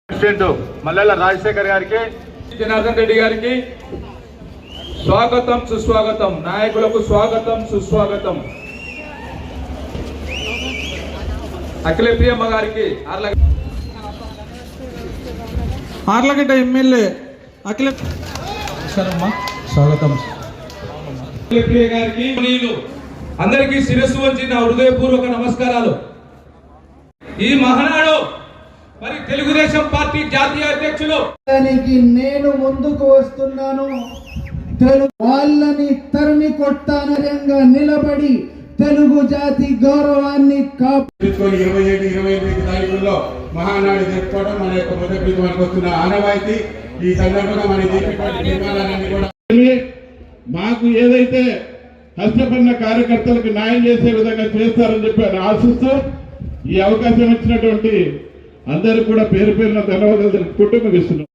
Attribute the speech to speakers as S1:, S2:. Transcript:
S1: President మల్లెల రాజశేఖర్ గారికి, జనార్దన్ రెడ్డి గారికి స్వాగతం సుస్వాగతం. నాయకులకు స్వాగతం సుస్వాగతం. అఖిలప్రియమ్మ గారికి,
S2: ఆర్లగడ్డ ఎమ్మెల్యే స్వాగతం.
S1: అఖిలప్రియ గారికి అందరికీ శిరస్సు వంచి నా హృదయపూర్వక నమస్కారాలు. ఈ మహానాడు మరి తెలుగుదేశం పార్టీ జాతీయ అధ్యక్షులు
S2: నేను ముందుకు వస్తున్నాను. వాళ్ళని తరిమి కొట్టానరంగా నిలబడి తెలుగు జాతి గౌరవాన్ని
S3: కాపాడుకొని 27-28 తారీఖుల్లో మహానాడు జరుపుకోవడం మన యొక్క మొదటి మనకు వస్తున్న ఆనవాయితీ. ఈ సందర్భంగా మన నిర్మాణాలన్నీ కూడా మాకు ఏదైతే కష్టపడిన కార్యకర్తలకు న్యాయం చేసే విధంగా చేస్తారని చెప్పి ఆశిస్తూ ఈ అవకాశం ఇచ్చినటువంటి అందరూ కూడా పేరు పేరున ధన్యవాదాలు తెలుపుకుంటూ ముగిస్తున్నాం.